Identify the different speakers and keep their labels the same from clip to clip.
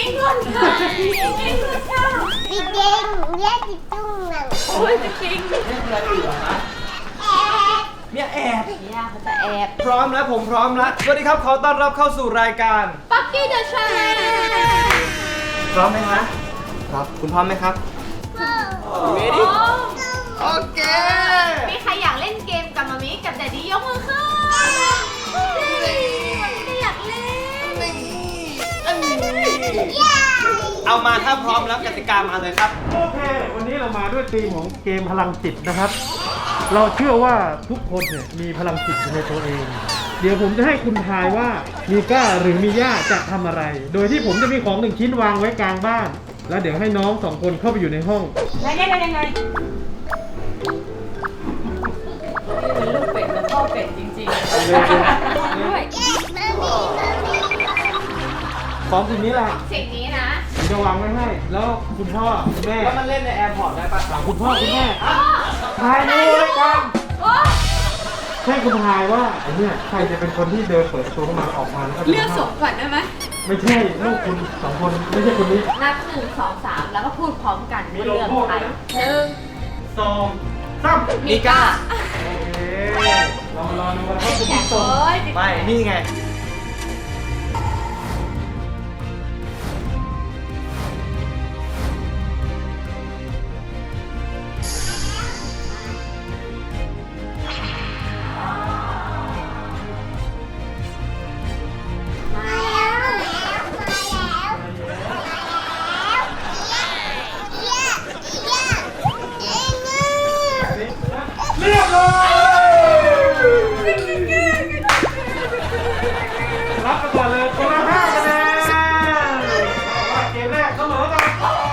Speaker 1: คนค่ะไอ้คนค่ะจริงเนี่ยจริงจุ้งหนังโอ้ยจริง
Speaker 2: เนี่ยแอบ
Speaker 1: เนี่ยเขาจะแอบ
Speaker 2: พร้อมแล้วผมพร้อมแล้วสวัสดีครับขอต้อนรับเข้าสู่รายการ
Speaker 1: ปักกี้เดอะชาแนล
Speaker 2: พร้อมไหมคะครับคุณพร้อมไหมครับเรดี้โอเค
Speaker 1: มีใครอยากเล่นเกมกับมามิกับแดดดี้ยกมือขึ้นมันไม่ได้อยากเล่น
Speaker 2: เอามาถ้าพร้อมแล้วกติกามาเลยครับ
Speaker 3: โอเค วันนี้เรามาด้วยธีมของเกมพลังจิตนะครับ เราเชื่อว่าทุกคนเนี่ยมีพลังจิตอยู่ในตัวเอง เดี๋ยวผมจะให้คุณทายว่ามีก้าหรือมีย่าจะทำอะไร โดยที่ผมจะมีของหนึ่งชิ้นวางไว้กลางบ้าน แล้วเดี๋ยวให้น้องสองคนเข้าไปอยู่ในห้อง
Speaker 1: ยังไงนี่เป็นลูกเป็ดกับพ่อเป็ดจริงๆด้วย
Speaker 3: ของสิ่งนี้แหละ
Speaker 1: สิ่งนี้นะ
Speaker 3: ผมจะวางไว้ให้ แล้วคุณพ่อคุณแม่
Speaker 2: แล้วมันเล่นในแอร์พอร์ตได้ปะ
Speaker 3: คุณพ่อคุณแม่ทายดูเลยกัน
Speaker 1: โอ้
Speaker 3: ให้คุณทายว่าไอ้เนี่ยใครจะเป็นคนที่เดินเปิดประตูเข้ามาออกมาแล้วก็
Speaker 1: เลือกสมก่อนได้ไหม
Speaker 3: ไม่ใช่ลูกคุณสองคนไม่ใช่คนนี้
Speaker 1: นับ1 2 3แล้วก็พูดพร้อมกันว่าเลือกใคร1
Speaker 3: สองสาม
Speaker 1: มิก้า
Speaker 3: โอเคเรามารอดูกันว่าคุณ
Speaker 1: แข่
Speaker 3: ผู้
Speaker 1: ง
Speaker 3: ชม
Speaker 1: เอ้ย
Speaker 2: ไม่นี่ไงเรียบร้อย
Speaker 3: รับไปก่อนเลยคนละ5 คะแนนว่าเกมแรกเสมอกัน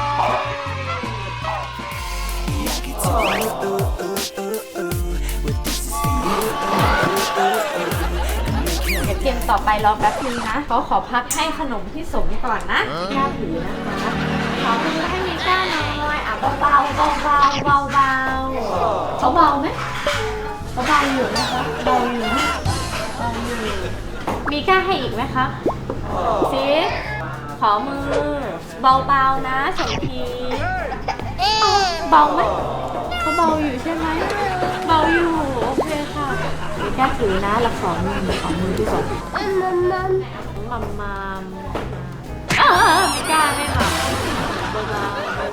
Speaker 1: เดี๋ยวเกมต่อไปรอแป๊บนึงนะเขาขอพักให้ขนมที่สมก่อนนะย่าถือนะคะขอมือให้มีก้าหน่อยอ่ะเบาๆเบาๆเขาเบาไหมเขาเบาอยู่นะคะเบาอยู่นะเบาอยู่มีก้าให้อีกไหมคะซิขอมือเบาๆนะสมทีเบาไหมเขาเบาอยู่ใช่ไหมเบาอยู่โอเคค่ะมีก้าถือนะแล้วขอมือที่สองมัมมีก้าไม่หลับเบา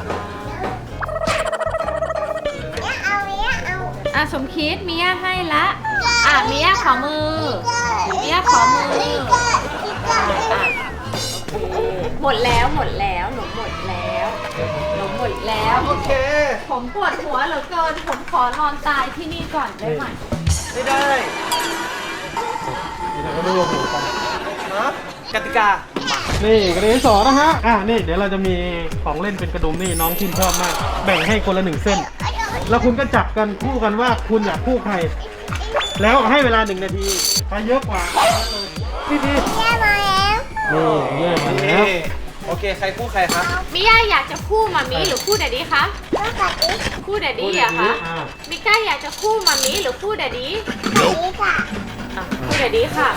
Speaker 1: อ่ะสมคิดมีย่าให้ละอ่ะมีย่าขอมือมีย่าขอมือหมดแล้วหนูหมดแล้ว
Speaker 2: โอเค
Speaker 1: ผมปวดหัวเหลือเกินผมขอนอนตายที่นี่ก่อนได้ไหม
Speaker 2: ไม่ได้
Speaker 3: เดี๋ยวก็ดูหัวกัน
Speaker 2: ฮะกติกา
Speaker 3: นี่กระดิ่งสองนะฮะนี่เดี๋ยวเราจะมีของเล่นเป็นกระดุมนี่น้องชื่นชอบมาก แบ่งให้คนละ1 เส้น แล้วคุณก็จับกันคู่กันว่าคุณอยากคู่ใคร แล้วให้เวลา1 นาทีใครเยอะกว่าพี่นี่แย่มาแล้ว
Speaker 2: โอเคใครคู่ใครครับ
Speaker 1: มิย่าอยากจะคู่มามิหรือคู่แดดดี้คะคู่แดดดี้อะคะมิก้าอยากจะคู่มามิหรือคู่แดดดี้คู่แดดดี้ค่ะ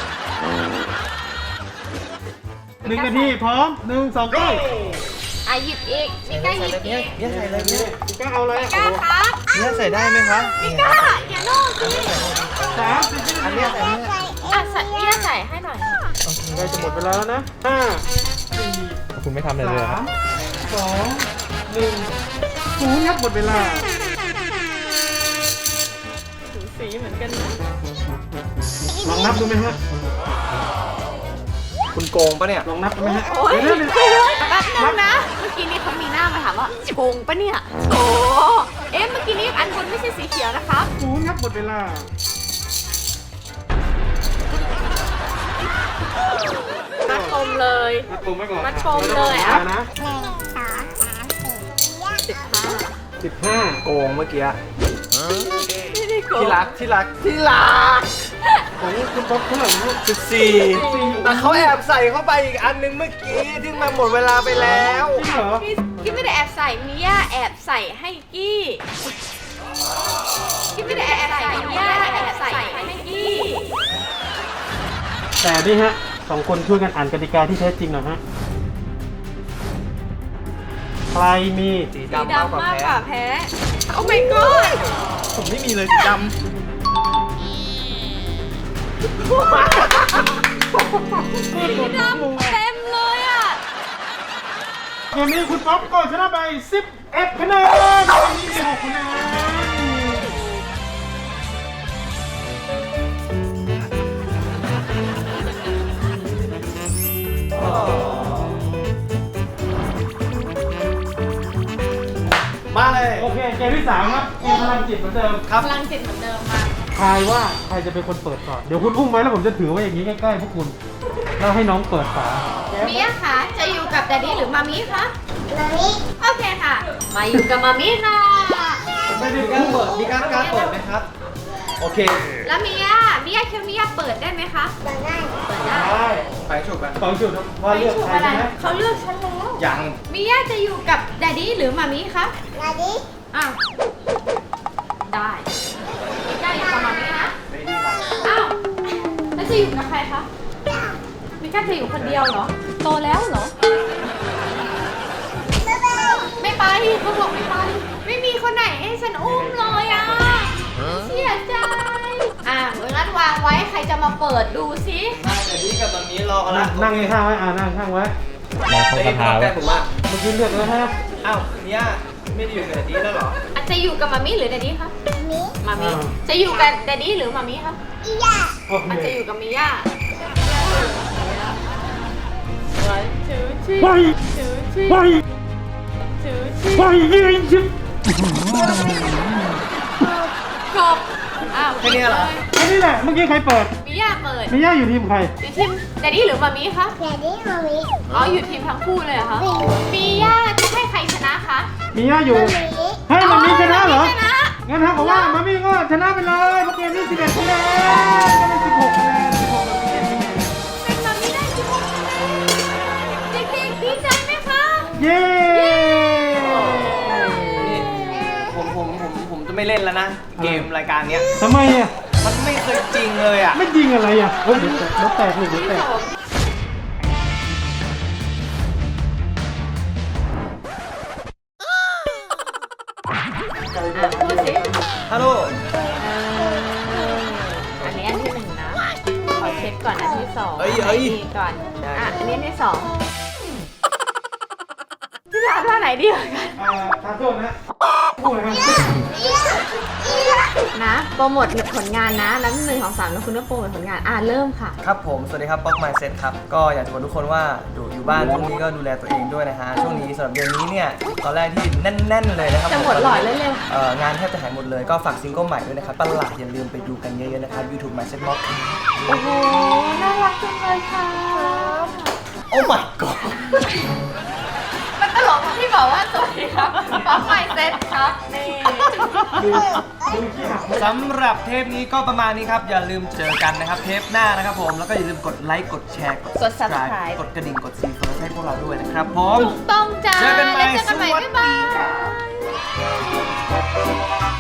Speaker 3: 1 นาทีพร้อม1 2 3
Speaker 1: อ่ะหยิบอีกมิก้าหยิบอีก
Speaker 2: เนี่ยใส่เลยเนี่ย
Speaker 3: ก็เอาเลย
Speaker 1: มิก้าครับ
Speaker 2: เนี่ยใส่ได้ไหมคะ
Speaker 1: มิก้าอย่าโน่นสิ
Speaker 2: อันเนี้ยใส่เนี่ย
Speaker 1: อ่ะใส่มิย่าใส่ให้หน่อย
Speaker 3: ใกล้จะหมดเวลาแล้วนะ5
Speaker 2: คุณไม่ทำอะไรเลยครับ
Speaker 3: 4 3 2 1 0ครับหมดเวลา
Speaker 1: สีเหมือนกันนะ
Speaker 3: ลองนับดูไหมฮะ
Speaker 2: คุณโกงปะเนี่ย
Speaker 3: ลองนับดูไหมฮะ
Speaker 1: โอ้ย
Speaker 3: เดี๋ยว
Speaker 1: แป๊บนึงนะเมื่อกี้นี้เขามีหน้ามาถามว่าโกงปะเนี่ยโอ้เอ๊ะเมื่อกี้นี้อันบนไม่ใช่สีเขียวนะครับ
Speaker 3: 0ครับหมดเวลา
Speaker 1: มัดปมเลย
Speaker 3: มัดปมไว้ก่อน
Speaker 1: มัดปมเลยอ่ะ
Speaker 3: นะ
Speaker 1: 15
Speaker 2: โกงเมื่อกี้
Speaker 1: ไม่ได้โกง
Speaker 2: ที่รัก
Speaker 3: ของคุณป๊อปเท่าไหร่นะ
Speaker 2: 14แต่เขาแอบใส่เข้าไปอีกอันนึงเมื่อกี้ที่มันหมดเวลาไปแล้ว
Speaker 3: จริงเหรอ
Speaker 1: กี้ไม่ได้แอบใส่มิย่าแอบใส่ให้กี้ไม่ได้แอบใส่มิย่าแอบใส่ให้กี้
Speaker 3: แต่นี่ฮะ2 คนช่วยกันอ่านกติกาที่แท้จริงหน่อยฮะใครมี
Speaker 2: สี
Speaker 1: สี
Speaker 2: ดำมากก
Speaker 1: ดำ
Speaker 2: ว่า
Speaker 1: มาก
Speaker 2: แพ้
Speaker 1: กว่าแพ้ โอ้ my god
Speaker 2: ผมไม่มีเลยสีดำ
Speaker 1: สีดำเต็มเลยอ่ะ
Speaker 3: เกมนี้คุณป๊อปก็ชนะไป11คะแนนเกมนี้มี6คะแนน
Speaker 2: มาเลย
Speaker 3: โอเคเกมที่3ครับเกมพลังจิตเหมือนเดิม
Speaker 2: ครับ
Speaker 1: พลังจิตเหมือนเดิมมา
Speaker 3: ทายว่าใครจะเป็นคนเปิดก่อนเดี๋ยวคุณอุ้มไว้แล้วผมจะถือไว้อย่างนี้ใกล้ๆพวกคุณแล้วให้น้องเปิดฝา
Speaker 1: มิยะคะจะอยู่กับแดดดี้หรือมามิคะมามิโอเคค่ะ มาอยู่กับมามิค่ะ
Speaker 3: ไม่ได้
Speaker 2: มีการเปิดมีการเปิดไหมครับ โอเค
Speaker 1: แล้วมิยะคิดว่ามิยะเปิดได้ไหมคะเปิดได้
Speaker 3: ได้
Speaker 2: ไปฉุกกัน
Speaker 3: สองจุดว่า
Speaker 1: ไม่
Speaker 3: เลือก
Speaker 1: ถูก
Speaker 3: ใคร
Speaker 1: อะไร
Speaker 3: ใช่ไหม
Speaker 1: เขาเลือกฉันแล้ว
Speaker 2: ยัง
Speaker 1: มิยะจะอยู่กับแดดดี้หรือมามิคะแดดดี้อ้าวได้มิยะอยู่กับมามินะ
Speaker 2: ไม่ดีครับ
Speaker 1: อ้าวแล้วจะอยู่กับใครคะมิยะจะอยู่คนเดียวเหรอโตแล้วเหรอไม่ไปเขาบอกไม่ไปไม่มีคนไหนให้ฉันอุ้มเลยอ่ะเสียใจงั้นวางไว้ใครจะมาเปิดดูซิ
Speaker 2: ได้แต่นี่กับตอนนี้รอกันละ
Speaker 3: นั่งข้างไว้นั่งข้างไว้
Speaker 2: เฮ้ยพอแก้ผมว่า
Speaker 3: เมื่อกี้เลือกแล้วฮะ
Speaker 2: อ้าวเนี่ยไม่ได้อยู่กับนี้แล้วเหรอ
Speaker 1: อาจจะอยู่กับมามิหรือแดดดี้คะมามิจะอยู่กับแดดดี้หรือมามิคะ
Speaker 3: โอ
Speaker 1: อาจ
Speaker 3: เค
Speaker 1: จะอยู่กับมิย่าวันชูชี
Speaker 3: ไป
Speaker 1: ชูชี
Speaker 3: ไป
Speaker 1: ชูชี
Speaker 3: ไปยืนชิบ
Speaker 1: กบอ้าว
Speaker 2: แค่นี้เหรอ
Speaker 3: อันนี้แหละเมื่อกี้ใครเปิด
Speaker 1: มิย่าเปิด
Speaker 3: มิย่าอยู่ทีมใคร
Speaker 1: อยู่ทีมแดดดี้หรือมามิคะ
Speaker 4: แดดดี้มามิ
Speaker 1: อ๋ออยู่ทีมทั้งคู่เลยเหรอคะมิย่าจะให้ใครชนะคะ
Speaker 3: มิย่าอยู่
Speaker 4: มามิ
Speaker 3: ให้มันมีชนะเหรอ
Speaker 1: ชนะ
Speaker 3: งั้นถ้าบอกว่ามามี่ก็ชนะไปเลยเพราะเกมนี้11คะแนนก็เป็น16คะแนน16กับ11คะแนน
Speaker 1: เป็นมามิได้16คะแนนเด็กๆดีใจไหมคะ
Speaker 3: เย้
Speaker 2: นี่ผมจะไม่เล่นแล้วนะ เกมรายการเนี้ย
Speaker 3: ทำไมอ่ะ
Speaker 2: มันไม่เคยจริงเลยอ่ะ
Speaker 3: ไม่ยิงอะไรอ่ะเฮ้ยเดี๋ยวแตกลูกเดี๋ยวแตก
Speaker 1: พูดสิ
Speaker 2: ฮัลโหล
Speaker 1: อันนี้อันที่หนึ่งนะ ขอเช็คก่อนอันที่สอง
Speaker 2: เอ้ย
Speaker 1: ดีก่อน อันนี้อันที่สองที่ร้านว่าไหนดีกว่ากัน
Speaker 3: ทานโทษนะพูดนะครับ
Speaker 1: นะโปรโมทผลงานนะแล้ว1 2 3แล้วคุณก็โปรโมทผลงานเริ่มค่ะ
Speaker 2: ครับผม สวัสดีครับป๊อกไมเซ็ตครับ ก็อยากจะบอกทุกคนว่าอยู่บ้านช่วงนี้ก็ดูแลตัวเองด้วยนะฮะ ช่วงนี้สำหรับเดือนนี้เนี่ย ตอนแรกที่แน่น ๆ เลยนะครับ
Speaker 1: จะหมดหลอดเร็ว
Speaker 2: งานแทบจะหายหมดเลย ก็ฝากซิงเกิลใหม่ด้วยนะครับประหลาดอย่าลืมไปดูกันเยอะๆนะครับ YouTube My Set Mock
Speaker 1: โอ้โห น่ารักจังเลยค่ะ
Speaker 2: โอ้ my god
Speaker 1: มันตลกตรงที่บอกว่าสวัสดีครับป๊อปไมเซ็ตครับ นี่
Speaker 3: ดูขี้หัก
Speaker 2: สำหรับเทปนี้ก็ประมาณนี้ครับ อย่าลืมเจอกันนะครับ เทปหน้านะครับผม แล้วก็อย่าลืมกดไลค์ กดแชร์
Speaker 1: กด Subscribe
Speaker 2: กดกระดิ่ง กดซีเฟิร์สให้พวกเราด้วยนะครับผม
Speaker 1: ถูกต้องจ้า
Speaker 2: เจอกันใหม่
Speaker 1: แล้วเจอกันใหม่
Speaker 2: สวัสดี
Speaker 1: บ๊ายบาย